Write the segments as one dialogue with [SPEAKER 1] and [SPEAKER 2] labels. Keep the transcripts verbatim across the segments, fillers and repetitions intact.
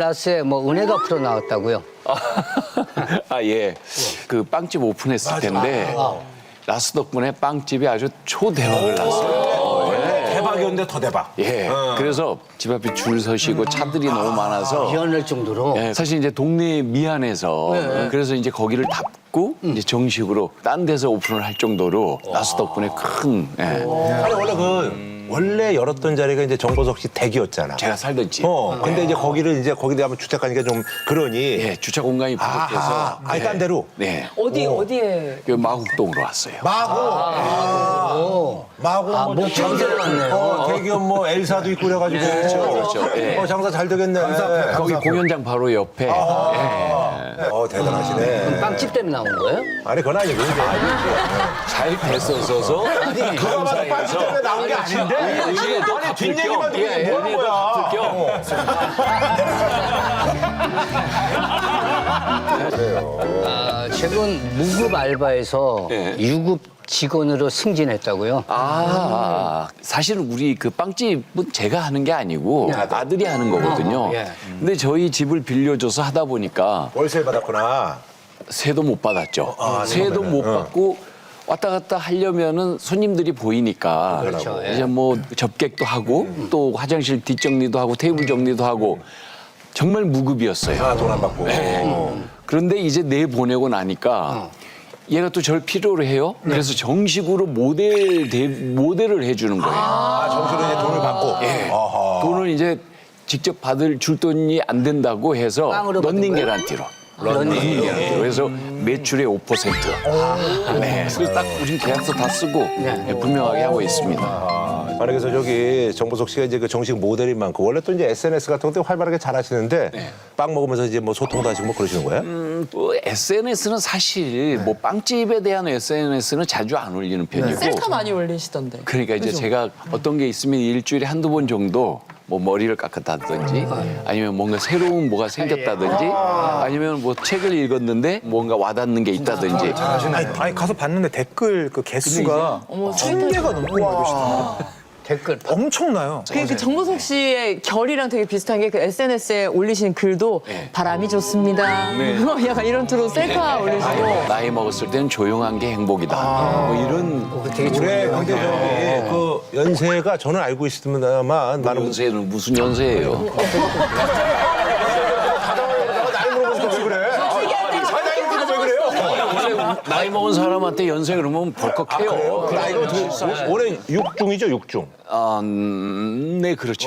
[SPEAKER 1] 라스에 뭐 은혜가 풀어 나왔다고요?
[SPEAKER 2] 아, 예. 그 빵집 오픈했을 텐데 라스 덕분에 빵집이 아주 초대박을 났어요.
[SPEAKER 3] 대박이었는데 더 대박.
[SPEAKER 2] 예. 그래서 집 앞에 줄 서시고 차들이 너무 많아서
[SPEAKER 1] 미안할 정도로.
[SPEAKER 2] 예, 사실 이제 동네에 미안해서 그래서 이제 거기를 닫고 이제 정식으로 딴 데서 오픈을 할 정도로 라스 덕분에 큰 예.
[SPEAKER 3] 아니 원래 그 원래 열었던 자리가 이제 정보석 씨 댁이었잖아.
[SPEAKER 2] 제가 살던 집.
[SPEAKER 3] 어. 근데 이제 거기를 이제 거기 가면 주택가니까 좀 그러니.
[SPEAKER 2] 예, 주차 공간이 부족해서
[SPEAKER 3] 아하. 아니 딴 데로.
[SPEAKER 2] 네.
[SPEAKER 4] 어디 어디에?
[SPEAKER 2] 그 마곡동으로 왔어요.
[SPEAKER 3] 마고. 아. 마고.
[SPEAKER 1] 아,
[SPEAKER 3] 뭐
[SPEAKER 1] 목장대로 왔네요.
[SPEAKER 3] 어, 대기업 뭐 엘사도 있고 그래가지고.
[SPEAKER 2] 그렇죠, 그렇죠. 예.
[SPEAKER 3] 어, 장사 잘 되겠네. 감사합니다.
[SPEAKER 2] 거기 공연장 바로 옆에. 예.
[SPEAKER 3] 어, 대단하시네.
[SPEAKER 1] 빵집 때문에 나온 거예요?
[SPEAKER 3] 아니, 그건 아니고. 이제.
[SPEAKER 2] 잘 됐었어서
[SPEAKER 3] 그거 봐도 빵집 때문에 나온 게 아닌데? 아니, 뒷얘기만 듣고 뭐 하는 거야?
[SPEAKER 1] 아, 최근 무급 알바에서
[SPEAKER 2] 네.
[SPEAKER 1] 유급 직원으로 승진했다고요?
[SPEAKER 2] 아, 사실은 우리 그 빵집은 제가 하는 게 아니고 아들이 하는 거거든요.
[SPEAKER 1] 예.
[SPEAKER 2] 근데 저희 집을 빌려줘서 하다 보니까
[SPEAKER 3] 월세 받았구나.
[SPEAKER 2] 세도 못 받았죠. 세도 못 받고 왔다 갔다 하려면은 손님들이 보이니까
[SPEAKER 1] 그렇죠. 예.
[SPEAKER 2] 이제 뭐 접객도 하고 또 화장실 뒷정리도 하고 테이블 정리도 하고 정말 무급이었어요.
[SPEAKER 3] 아, 돈 안 받고.
[SPEAKER 2] 그런데 이제 내 보내고 나니까 얘가 또 저를 필요로 해요. 그래서 정식으로 모델 대, 모델을 해주는 거예요.
[SPEAKER 3] 아, 정수로 이제 돈을 받고.
[SPEAKER 2] 예.
[SPEAKER 3] 아하.
[SPEAKER 2] 돈을 이제 직접 받을 줄 돈이 안 된다고 해서
[SPEAKER 1] 빵으로 받은
[SPEAKER 2] 런닝
[SPEAKER 1] 거예요?
[SPEAKER 2] 개런티로. 런닝 개런티로. 그래서 매출의 오 퍼센트. 네. 그래서 딱 우린 계약서 다 쓰고 네, 분명하게 하고 있습니다.
[SPEAKER 3] 아니 그래서 저기 정보석 씨가 이제 그 정식 모델인 만큼 원래 또 이제 에스엔에스 같은 것도 활발하게 잘 하시는데 빵 먹으면서 이제 뭐 소통도 하시고 뭐 그러시는 거예요?
[SPEAKER 2] 음, 뭐 에스엔에스는 사실 뭐 빵집에 대한 에스엔에스는 자주 안 올리는 편이고
[SPEAKER 4] 셀카 많이 올리시던데.
[SPEAKER 2] 그러니까 이제 제가 어떤 게 있으면 일주일에 한두 번 정도 뭐 머리를 깎았다든지 아니면 뭔가 새로운 뭐가 생겼다든지 아니면 뭐 책을 읽었는데 뭔가 와닿는 게 있다든지
[SPEAKER 5] 아니, 아니 가서 봤는데 댓글 그 개수가
[SPEAKER 4] 어머,
[SPEAKER 5] 천 개가 넘고 계시더라고요.
[SPEAKER 1] 댓글.
[SPEAKER 5] 엄청나요.
[SPEAKER 4] 그, 그 정보석 씨의 결이랑 되게 비슷한 게 그 에스엔에스에 올리신 글도 바람이 좋습니다.
[SPEAKER 2] 네.
[SPEAKER 4] 약간 이런 투로 셀카 올리시고.
[SPEAKER 2] 나이 먹었을 때는 조용한 게 행복이다. 뭐 이런
[SPEAKER 1] 되게
[SPEAKER 3] 올해
[SPEAKER 1] 좋네요.
[SPEAKER 3] 근데 저기 그 연세가 저는 알고 있습니다만 많은 분들
[SPEAKER 2] 연세는 무슨 연세예요?
[SPEAKER 3] 나이 물어보니까 왜 그래? 사장님들은 왜 그래요?
[SPEAKER 2] 나이 먹은 사람한테 연세 그러면 벌컥해요.
[SPEAKER 3] 그 나이가 어떻게 올해 육중이죠, 육중.
[SPEAKER 2] 아, 음, 네, 그렇죠.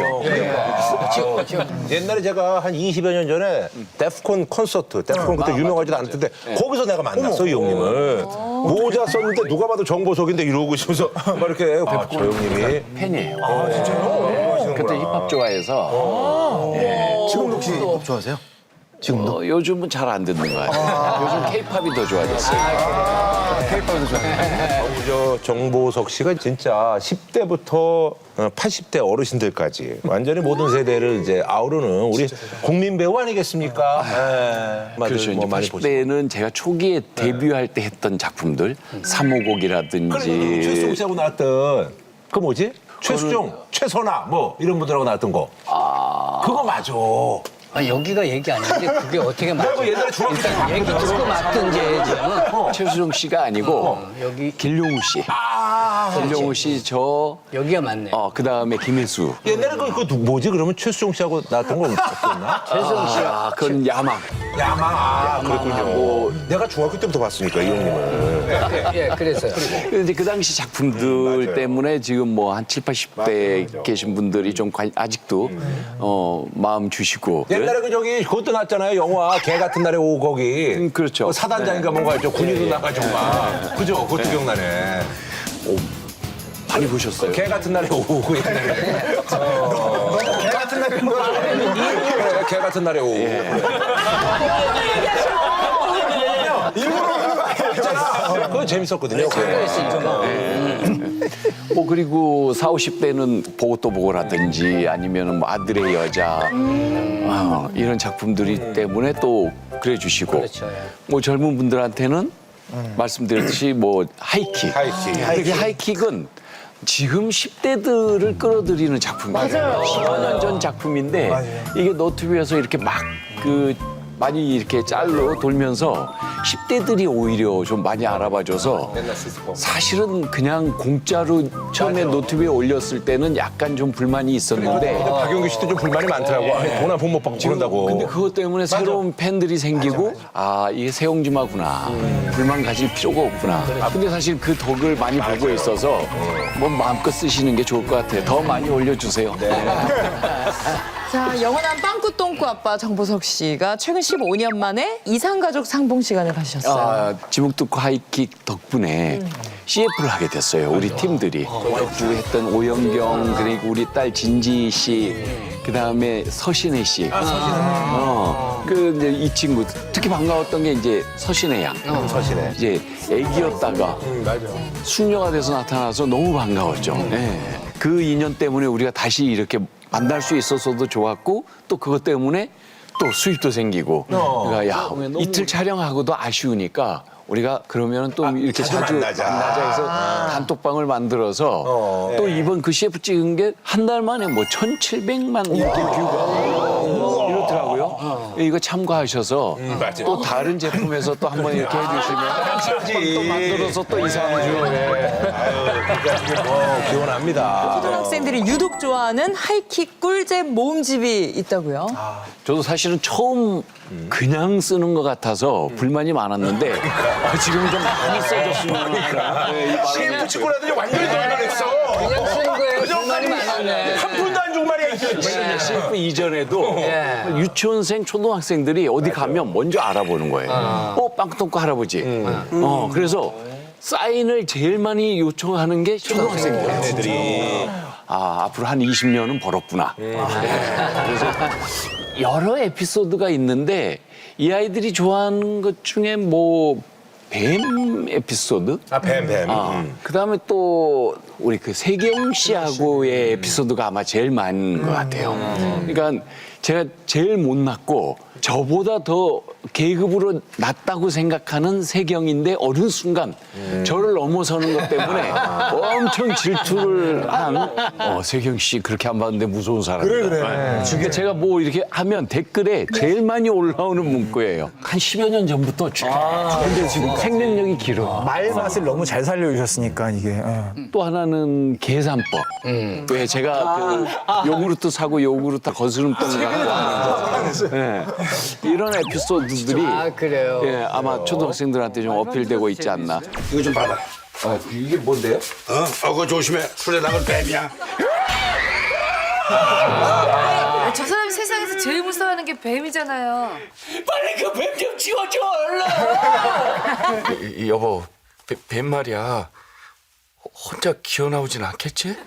[SPEAKER 3] 옛날에 제가 한 이십여 년 전에 데프콘 콘서트, 데프콘 그때 유명하지도 않았는데 거기서 내가 만났어, 이 형님을. 모자 썼는데 누가 봐도 정보석인데 이러고 있으면서 막 이렇게 아, 저 형님이.
[SPEAKER 2] 팬이에요. 아, 진짜요? 그때 힙합 좋아해서
[SPEAKER 5] 지금도 혹시 힙합 좋아하세요?
[SPEAKER 2] 어, 요즘은 잘 안 듣는 거 같아요. 요즘 케이팝이 더 좋아졌어요.
[SPEAKER 5] 케이팝도 좋아해요.
[SPEAKER 3] 저 정보석 씨가 진짜 십 대부터 팔십 대 어르신들까지 완전히 모든 세대를 이제 아우르는 우리 국민 배우 아니겠습니까? 네.
[SPEAKER 2] 그렇죠.
[SPEAKER 3] 뭐
[SPEAKER 2] 이제
[SPEAKER 3] 많이
[SPEAKER 2] 팔십 대는 제가 초기에 데뷔할 때 했던 작품들,
[SPEAKER 3] 그래,
[SPEAKER 2] 삼호곡이라든지
[SPEAKER 3] 최수종 씨하고 나왔던 그 뭐지? 최수종, 최선아 뭐 이런 분들하고 나왔던 거. 그거 맞아.
[SPEAKER 1] 아, 여기가 얘기 아닌데 그게 어떻게 맞죠?
[SPEAKER 3] 내가 옛날에 중학교 때
[SPEAKER 1] 일단 얘기 듣고 맞든지 해야지.
[SPEAKER 2] 최수종 씨가 아니고
[SPEAKER 1] 여기
[SPEAKER 2] 길용우 씨. 길용우 씨, 저,
[SPEAKER 1] 여기가 맞네.
[SPEAKER 2] 어, 그 다음에 김혜수.
[SPEAKER 3] 옛날에 그, 그 누- 뭐지? 그러면 최수종 씨하고 나왔던 건 없었나?
[SPEAKER 1] 최수종 씨가
[SPEAKER 2] 아, 그건 야망.
[SPEAKER 3] 야망. 아, 그랬군요. 내가 중학교 때부터 봤으니까 이 형님을.
[SPEAKER 1] 예, 그래서요.
[SPEAKER 2] 근데 이제 그 당시 작품들 때문에 지금 뭐 한 칠, 팔십 대 계신 분들이 좀 관- 아직도 어, 마음 주시고.
[SPEAKER 3] 옛날에 그 저기 그것도 났잖아요. 영화 개 같은 날에 오고 거기.
[SPEAKER 2] 음, 그렇죠.
[SPEAKER 3] 그 사단장인가 뭔가 있죠. 군인도 나가지고 막. 그죠? 그것도 기억나네.
[SPEAKER 2] 많이 보셨어요?
[SPEAKER 3] 개 같은 날에 오고 옛날에. 어. 개 같은 날에 오고. 그래, 개 같은 날에 오고. 그거 재밌었거든요.
[SPEAKER 2] 뭐 그리고 사, 오십 대는 보고 또 보고라든지 아니면은 뭐 아들의 여자 어, 이런 작품들이 때문에 또 그래 주시고
[SPEAKER 1] 그렇죠, 예.
[SPEAKER 2] 뭐 젊은 분들한테는 말씀드렸듯이 뭐 하이킥.
[SPEAKER 3] 하이킥.
[SPEAKER 2] 근데 그 하이킥은 지금 십 대들을 끌어들이는 작품이에요. 십오 년 전 작품인데
[SPEAKER 5] 맞아요.
[SPEAKER 2] 이게 너튜브에서 이렇게 막 그 많이 이렇게 짤로 돌면서 십 대들이 오히려 좀 많이 알아봐줘서 사실은 그냥 공짜로 처음에 노트북에 올렸을 때는 약간 좀 불만이 있었는데
[SPEAKER 3] 박용규 씨도 좀 불만이 많더라고. 돈 한 푼 못 받고 그런다고.
[SPEAKER 2] 근데 그것 때문에 새로운 팬들이 생기고 아 이게 새옹지마구나 불만 가질 필요가 없구나. 아 근데 사실 그 덕을 많이 보고 있어서 뭐 마음껏 쓰시는 게 좋을 것 같아요. 더 많이 올려주세요.
[SPEAKER 4] 자, 영원한 빵꾸똥꾸 아빠 정보석 씨가 최근 십오 년 만에 이상가족 상봉 시간을 가지셨어요.
[SPEAKER 2] 아, 지목특구 하이킥 덕분에 씨에프를 하게 됐어요. 우리 팀들이. 와이프 했던 오영경, 그리고 우리 딸 진지 씨, 그 다음에 서신혜 씨. 어, 그 이제 이 친구 특히 반가웠던 게 이제 서신혜 양.
[SPEAKER 3] 서신혜.
[SPEAKER 2] 이제 애기였다가 숙녀가 돼서 나타나서 너무 반가웠죠. 네. 그 인연 때문에 우리가 다시 이렇게 만날 수 있어서도 좋았고 또 그것 때문에 또 수입도 생기고 그러니까 야 이틀 촬영하고도 아쉬우니까 우리가 그러면 또 이렇게
[SPEAKER 3] 자주
[SPEAKER 2] 자주
[SPEAKER 3] 만나자.
[SPEAKER 2] 만나자 해서 단톡방을 만들어서 또 이번 그 씨에프 찍은 게 한 달 만에 뭐 천칠백만 이렇게 뷰가 이렇더라고요. 이거 참고하셔서 또 다른 제품에서 또 한번 이렇게 해주시면 또 만들어서 또 이상주
[SPEAKER 3] 그러니까 뭐 기원합니다.
[SPEAKER 4] 초등학생들이 유독 좋아하는 하이킥 꿀잼 모음집이 있다고요?
[SPEAKER 2] 저도 사실은 처음 그냥 쓰는 것 같아서 불만이 많았는데 아, 지금 좀 많이 써졌으면 네,
[SPEAKER 3] 씨에프 찍고 나더니 완전히 돌변했어.
[SPEAKER 1] 그냥 쓰는 거예요. 불만이 많았네.
[SPEAKER 3] 한 푼도 안 주고 말이야.
[SPEAKER 2] 씨에프 이전에도
[SPEAKER 1] 예.
[SPEAKER 2] 유치원생 초등학생들이 어디 가면 먼저 알아보는 거예요. 어, 빵꾸똥꾸 할아버지. 어, 그래서 사인을 제일 많이 요청하는 게 초등학생들.
[SPEAKER 3] 애들이.
[SPEAKER 2] 아, 앞으로 한 이십 년은 벌었구나. 네. 그래서 여러 에피소드가 있는데 이 아이들이 좋아하는 것 중에 뭐 뱀 에피소드?
[SPEAKER 3] 아, 뱀, 뱀.
[SPEAKER 2] 아, 그다음에 또 우리 그 세경 씨하고의 에피소드가 아마 제일 많은 것 같아요. 그러니까 제가 제일 못났고 저보다 더 계급으로 낮다고 생각하는 세경인데 어느 순간 저를 넘어서는 것 때문에 엄청 질투를 한 어, 세경 씨 그렇게 안 봤는데 무서운 사람이다.
[SPEAKER 5] 그래, 그래.
[SPEAKER 2] 그러니까 제가 뭐 이렇게 하면 댓글에 제일 많이 올라오는 문구예요. 한 십여 년 전부터 쭉. 근데 지금 생명력이 길어.
[SPEAKER 5] 말 맛을 너무 잘 살려주셨으니까 이게. 예.
[SPEAKER 2] 또 하나는 계산법. 왜 제가 그 요구르트 사고 요구르트 거스름돈 갖고 하는 네. 이런 에피소드들이
[SPEAKER 1] 아, 그래요?
[SPEAKER 2] 예, 아마 초등학생들한테 좀 어필되고 있지 않나.
[SPEAKER 6] 이거 좀 받아.
[SPEAKER 2] 아, 이게 뭔데요?
[SPEAKER 6] 어? 어, 그거 조심해. 술에 나갈 뱀이야.
[SPEAKER 7] 저 사람이 세상에서 제일 무서워하는 게 뱀이잖아요.
[SPEAKER 2] 빨리 그 뱀 좀 지워줘 얼른.
[SPEAKER 8] 여보, 뱀, 뱀 말이야. 혼자 기어 나오진 않겠지?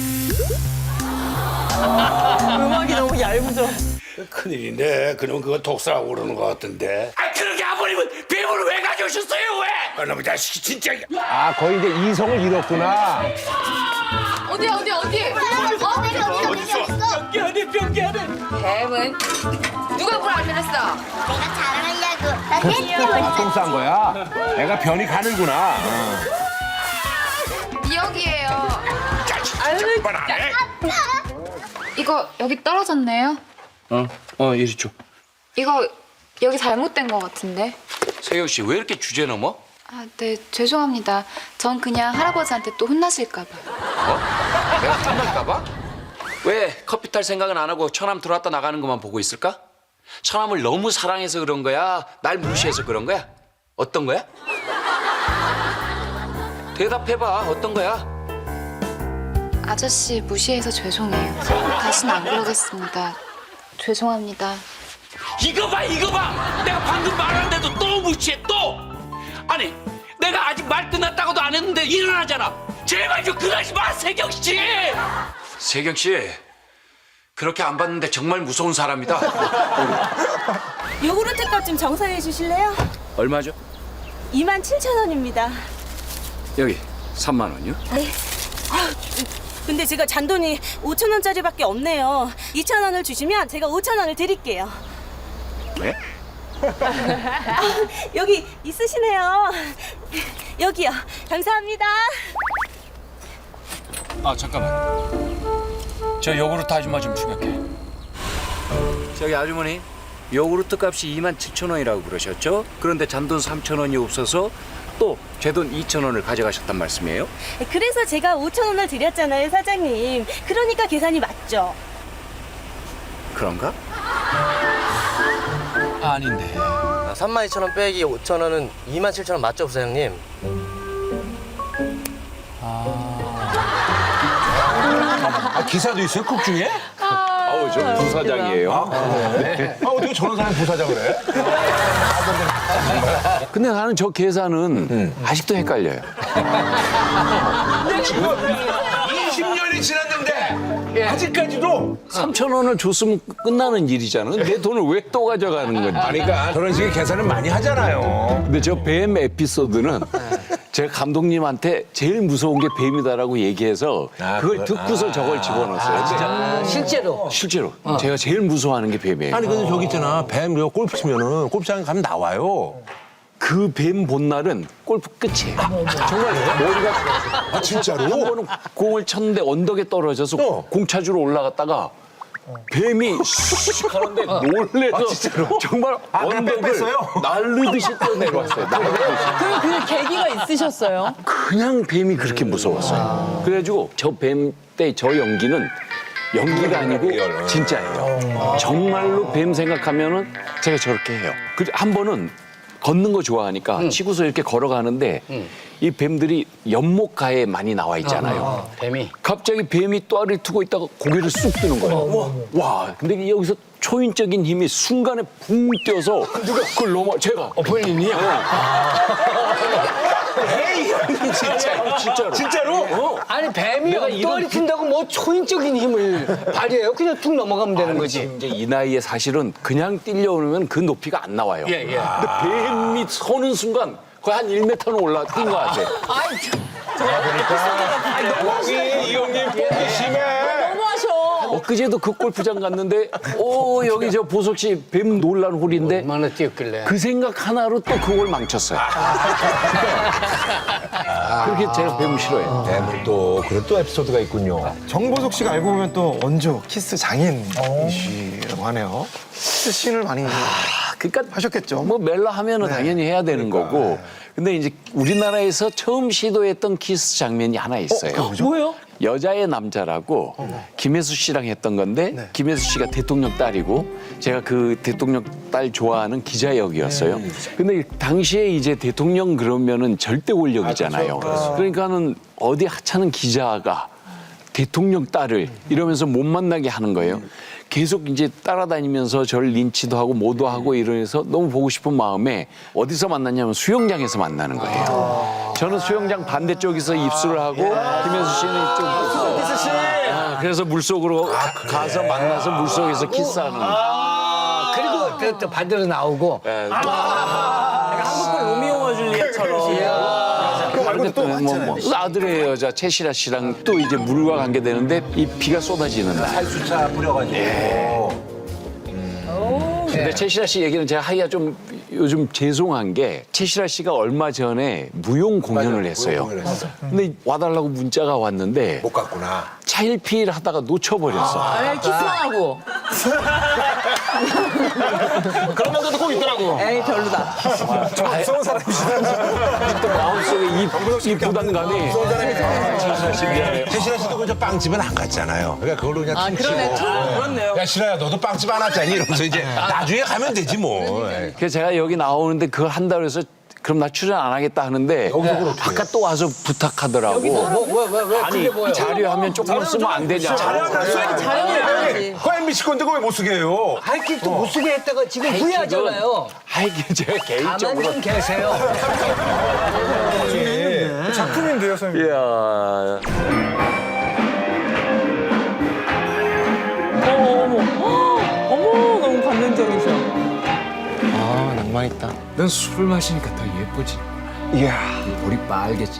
[SPEAKER 4] 음악이 너무 얇죠.
[SPEAKER 6] 큰일인데. 그럼 그거 독사라고 그러는 것 같은데.
[SPEAKER 2] 아 그렇게 아버님은 뱀을 왜 가져오셨어요 왜?
[SPEAKER 6] 아, 너무 자식이 진짜.
[SPEAKER 3] 아, 거의 이제 이성을 잃었구나.
[SPEAKER 7] 어디 어디 어디? 어?
[SPEAKER 2] 병기 안에 병기 안에.
[SPEAKER 7] 뱀은 누가 물 안 내렸어?
[SPEAKER 9] 내가 자랑하려고. 나 귀여워.
[SPEAKER 3] 똥싼 거야. 애가 변이 가는구나.
[SPEAKER 7] 여기에요.
[SPEAKER 6] 자식 말 안 해.
[SPEAKER 7] 이거 여기 떨어졌네요.
[SPEAKER 2] 어, 어 이리 줘.
[SPEAKER 7] 이거 여기 잘못된 것 같은데.
[SPEAKER 2] 세경 씨 왜 이렇게 주제 넘어?
[SPEAKER 7] 아, 네 죄송합니다. 전 그냥 할아버지한테 또 혼나실까 봐.
[SPEAKER 2] 내가 탐날까봐? 왜 커피 탈 생각은 안 하고 처남 들어왔다 나가는 것만 보고 있을까? 처남을 너무 사랑해서 그런 거야? 날 무시해서 그런 거야? 어떤 거야? 대답해봐. 어떤 거야?
[SPEAKER 7] 아저씨 무시해서 죄송해요. 다시는 안 그러겠습니다. 죄송합니다.
[SPEAKER 2] 이거 봐 이거 봐. 내가 방금 말하는데도 또 무시해 또. 아니 내가 아직 말 끝났다고도 안 했는데 일어나잖아. 제발 좀 그러지 마 세경 씨. 세경 씨 그렇게 안 봤는데 정말 무서운 사람이다.
[SPEAKER 10] 요구르트 값 좀 정산해 주실래요?
[SPEAKER 2] 얼마죠?
[SPEAKER 10] 이만 칠천 원입니다.
[SPEAKER 2] 여기 삼만 원이요?
[SPEAKER 10] 네. 아, 근데 제가 잔돈이 오천 원짜리밖에 없네요. 이천 원을 주시면 제가 오천 원을 드릴게요.
[SPEAKER 2] 네?
[SPEAKER 10] 아, 여기 있으시네요. 여기요. 감사합니다.
[SPEAKER 8] 아 잠깐만. 저 요구르트 아줌마 좀 추격해. 저기 아주머니, 요구르트 값이 이만 칠천 원이라고 그러셨죠? 그런데 잔돈 삼천 원이 없어서 또 제 돈 이천 원을 가져가셨단 말씀이에요?
[SPEAKER 10] 그래서 제가 오천 원을 드렸잖아요, 사장님. 그러니까 계산이 맞죠?
[SPEAKER 8] 그런가? 아닌데.
[SPEAKER 11] 삼만 이천 원 빼기 오천 원은 이만 칠천 원 맞죠, 부사장님?
[SPEAKER 3] 아, 기사도 있어요? 국 중에?
[SPEAKER 2] 아우, 저 부사장이에요.
[SPEAKER 3] 아, 어떻게 저런 사람이 부사장을 해?
[SPEAKER 2] 근데 나는 저 계산은 아직도 헷갈려요.
[SPEAKER 3] 이십 년이 지났는데 아직까지도
[SPEAKER 2] 삼천 원을 줬으면 끝나는 일이잖아. 내 돈을 왜 또 가져가는 건지.
[SPEAKER 3] 아니, 그러니까 저런 식의 계산을 많이 하잖아요.
[SPEAKER 2] 근데 저 뱀 에피소드는 제가 감독님한테 제일 무서운 게 뱀이다라고 얘기해서
[SPEAKER 3] 아,
[SPEAKER 2] 그걸
[SPEAKER 3] 그걸-
[SPEAKER 2] 듣고서
[SPEAKER 3] 아.
[SPEAKER 2] 저걸 집어넣었어요. 진짜.
[SPEAKER 1] 실제로.
[SPEAKER 2] 실제로 제가 제일 무서워하는 게 뱀이에요.
[SPEAKER 3] 아니, 근데 저기 있잖아. 뱀, 이거 골프 치면은 골프장에 가면 나와요.
[SPEAKER 2] 그 뱀 본날은 골프 끝이에요. 정말 머리가
[SPEAKER 3] 아, 진짜로?
[SPEAKER 2] 한 번은 공을 쳤는데 언덕에 떨어져서
[SPEAKER 3] 어.
[SPEAKER 2] 공 찾으러 올라갔다가 뱀이 슉 하는데 놀래서 정말
[SPEAKER 3] 아, 그냥 뺑
[SPEAKER 2] 언덕을
[SPEAKER 3] 뺐어요?
[SPEAKER 2] 날르듯이 뛰어내려왔어요. 날르듯이.
[SPEAKER 4] 그럼 그 계기가 있으셨어요?
[SPEAKER 2] 그냥 뱀이 그렇게 무서웠어요. 그래가지고 저 뱀 때 저 연기는 연기가 아니고 진짜예요. 정말로 뱀 생각하면은 제가 저렇게 해요. 그 한 번은 걷는 거 좋아하니까 치고서 이렇게 걸어가는데 이 뱀들이 연못가에 많이 나와 있잖아요.
[SPEAKER 1] 뱀이.
[SPEAKER 2] 갑자기 뱀이 또아를 트고 있다가 고개를 쑥 뜨는 거예요. 와, 근데 여기서 초인적인 힘이 순간에 붕 뛰어서 그걸 넘어 제가
[SPEAKER 1] 어, 본인이요?
[SPEAKER 2] 진짜로 진짜로
[SPEAKER 3] 진짜로?
[SPEAKER 2] 어.
[SPEAKER 1] 아니, 뱀이 엉덩이 튼다고 뭐 초인적인 힘을 발휘해요? 그냥 툭 넘어가면 되는 거지.
[SPEAKER 2] 이제 이 나이에 사실은 그냥 뛰려오면 그 높이가 안 나와요.
[SPEAKER 1] 예, 예.
[SPEAKER 2] 근데 뱀이 서는 순간 거의 한 일 미터는 올라 뛴 것 같아.
[SPEAKER 1] 아이,
[SPEAKER 3] 여기 이 형님 뽕이 심해.
[SPEAKER 4] 너무하셔.
[SPEAKER 2] 엊그제도 그 골프장 갔는데 오 여기 저 보석 씨 뱀 놀란 홀인데
[SPEAKER 1] 얼마나 뛰었길래.
[SPEAKER 2] 그 생각 하나로 또 그걸 망쳤어요. 그렇게 제가 뱀을 싫어해요.
[SPEAKER 3] 뱀은 또 그런 또 에피소드가 있군요.
[SPEAKER 5] 정보석 씨가 알고 보면 또 원조 키스 장인이시라고 하네요. 키스 씬을 많이
[SPEAKER 2] 그러니까
[SPEAKER 5] 하셨겠죠.
[SPEAKER 2] 뭐 멜라 하면은 당연히 해야 되는 거고. 근데 이제 우리나라에서 처음 시도했던 키스 장면이 하나 있어요.
[SPEAKER 4] 뭐예요?
[SPEAKER 2] 여자의 남자라고 김혜수 씨랑 했던 건데 김혜수 씨가 대통령 딸이고 제가 그 대통령 딸 좋아하는 기자 역이었어요. 근데 당시에 이제 대통령 그러면은 절대 권력이잖아요. 그러니까는 어디 하찮은 기자가 대통령 딸을 이러면서 못 만나게 하는 거예요. 계속 이제 따라다니면서 저를 린치도 하고 뭐도 하고 이러면서 너무 보고 싶은 마음에 어디서 만났냐면 수영장에서 만나는 거예요. 저는 수영장 반대쪽에서 입술을 하고 김혜수 씨는 이쪽. 아, 그래서 물속으로 가서 만나서 물속에서 키스하는.
[SPEAKER 1] 아, 그리고 또, 또 반대로 나오고.
[SPEAKER 2] 예.
[SPEAKER 4] 한국의 로미오와 줄리엣처럼.
[SPEAKER 2] 그런데 또 뭐, 뭐 아들의 여자 최시라 씨랑 또 이제 물과 관계되는데 이 비가 쏟아지는 날.
[SPEAKER 3] 살수차 뿌려가지고.
[SPEAKER 2] 근데 최시라 씨 얘기는 제가 하기가 좀 요즘 죄송한 게 최시라 씨가 얼마 전에 무용 공연을 했어요.
[SPEAKER 3] 공연을 했어.
[SPEAKER 2] 근데 와달라고 문자가 왔는데
[SPEAKER 3] 못 갔구나.
[SPEAKER 2] 차일피일 하다가 놓쳐버렸어.
[SPEAKER 4] 아니, 키스만 하고.
[SPEAKER 11] 그런 분들도 꼭 있더라고.
[SPEAKER 4] 에이, 별로다.
[SPEAKER 5] 좀 무서운 사람이시다.
[SPEAKER 2] 또 마음속에 이, 이 부담감이. 최시라 씨 미안해요.
[SPEAKER 3] 최신아 씨도 그저 빵집은 안 갔잖아요. 그러니까 그걸로 그냥
[SPEAKER 4] 아,
[SPEAKER 3] 퉁치고.
[SPEAKER 4] 그러네. 참, 그렇네요.
[SPEAKER 3] 야, 신아야, 너도 빵집 안 왔잖니? 이러면서 이제 나중에 가면 되지 뭐.
[SPEAKER 2] 그래서 제가 여기 나오는데 그걸 한다고 해서 그럼 나 출연 안 하겠다 하는데 아까 또 와서 부탁하더라고.
[SPEAKER 1] 뭐, 왜, 왜, 왜?
[SPEAKER 2] 아니
[SPEAKER 1] 그게 뭐예요?
[SPEAKER 2] 자료하면 조금만 쓰면 안 되냐.
[SPEAKER 4] 자연이야지.
[SPEAKER 3] 그 엠비씨 건데 그거 왜 못 쓰게 해요?
[SPEAKER 1] 하이킥도 못 쓰게 했다가 지금 후회하잖아요.
[SPEAKER 2] 하이킥 제가
[SPEAKER 1] 가만
[SPEAKER 2] 개인적으로.
[SPEAKER 1] 좀 계세요.
[SPEAKER 5] 작품인데요, 선생님.
[SPEAKER 2] 이야.
[SPEAKER 4] 어머, 어머. 어머, 너무 감동적이셔.
[SPEAKER 11] 아, 낭만 있다.
[SPEAKER 8] 넌 술을 마시니까 더 예쁘지.
[SPEAKER 5] 이야.
[SPEAKER 8] 볼이 빨개지.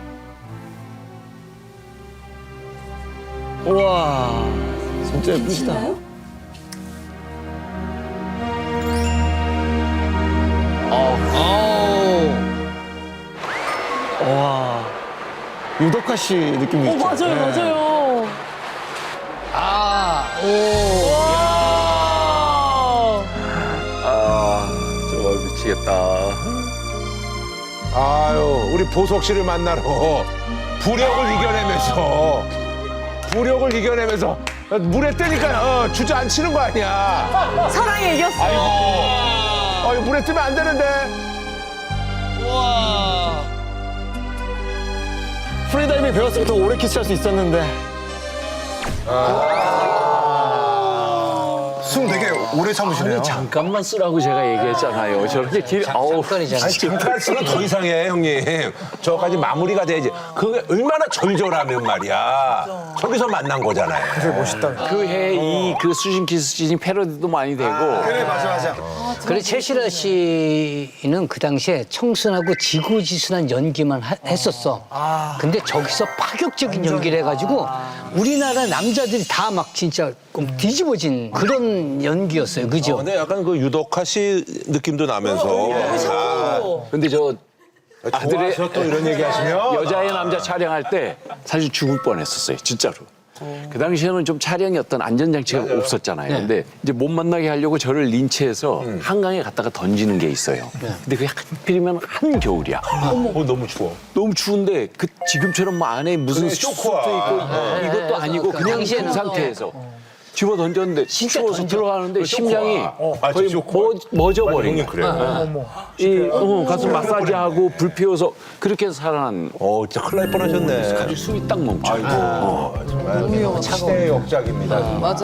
[SPEAKER 11] 우와, 진짜 예쁘시다. 와.
[SPEAKER 5] 유덕화 씨 느낌이
[SPEAKER 4] 어,
[SPEAKER 5] 있죠.
[SPEAKER 4] 맞아요,
[SPEAKER 5] 네.
[SPEAKER 4] 맞아요.
[SPEAKER 1] 아, 오.
[SPEAKER 2] 아 정말 미치겠다.
[SPEAKER 3] 아유, 우리 보석 씨를 만나러 부력을 이겨내면서 부력을 이겨내면서 물에 뜨니까 어, 주저앉히는 거 아니야.
[SPEAKER 4] 사랑에 이겼어.
[SPEAKER 3] 아이고, 어, 이거 물에 뜨면 안 되는데.
[SPEAKER 5] 프리다이빙 배웠으면 더 오래 키스할 수 있었는데. 숨 되게 오래 참으시네요.
[SPEAKER 2] 잠깐만 쓰라고 제가 얘기했잖아요. 저렇게 길 아우
[SPEAKER 1] 잠깐이잖아.
[SPEAKER 3] 아니, 잠깐 쓰면 더 이상해, 형님. 저까지 마무리가 돼야지. 그게 얼마나 절절하면 말이야. 저기서 만난 거잖아요.
[SPEAKER 5] 되게 멋있다.
[SPEAKER 2] 그 해 이 그 수신 키스신이 패러디도 많이 되고
[SPEAKER 5] 그래, 맞아, 맞아.
[SPEAKER 1] 그래 최시라 씨는 그 당시에 청순하고 지고지순한 연기만 하- 했었어. 근데 저기서 파격적인 연기를 해가지고 우리나라 남자들이 다 막 진짜 뒤집어진 그런 연기였어요. 그죠?
[SPEAKER 3] 어, 근데 약간 그 유덕화 씨 느낌도 나면서.
[SPEAKER 2] 근데 저 아들의
[SPEAKER 3] 좋아서 또 이런 얘기 하시면.
[SPEAKER 2] 여자의 남자 촬영할 때 사실 죽을 뻔했었어요, 진짜로. 그 당시에는 좀 촬영이 어떤 안전장치가 없었잖아요. 근데 이제 못 만나게 하려고 저를 린치해서 한강에 갖다가 던지는 게 있어요. 근데 그게 하필이면 한겨울이야.
[SPEAKER 3] 어, 너무 추워.
[SPEAKER 2] 너무 추운데 그 지금처럼 뭐 안에 무슨
[SPEAKER 3] 그래,
[SPEAKER 2] 수트
[SPEAKER 3] 쇼크야.
[SPEAKER 2] 있고 이것도 아니고
[SPEAKER 1] 그
[SPEAKER 2] 그냥
[SPEAKER 1] 당시에는
[SPEAKER 2] 그 상태에서 집어 던졌는데 추워서 들어가는데 심장이
[SPEAKER 3] 아,
[SPEAKER 2] 거의
[SPEAKER 3] 쇼크야.
[SPEAKER 2] 머, 멎어버린
[SPEAKER 3] 형님
[SPEAKER 2] 거야.
[SPEAKER 3] 그래.
[SPEAKER 2] 이 어, 가서 마사지하고 불 피워서 그렇게 해서 살아난
[SPEAKER 3] 어, 진짜 큰일 날 뻔하셨네.
[SPEAKER 2] 아주 숨이 딱 멈춰요.
[SPEAKER 3] 아이고, 정말 시대의 역작입니다.
[SPEAKER 4] 맞아.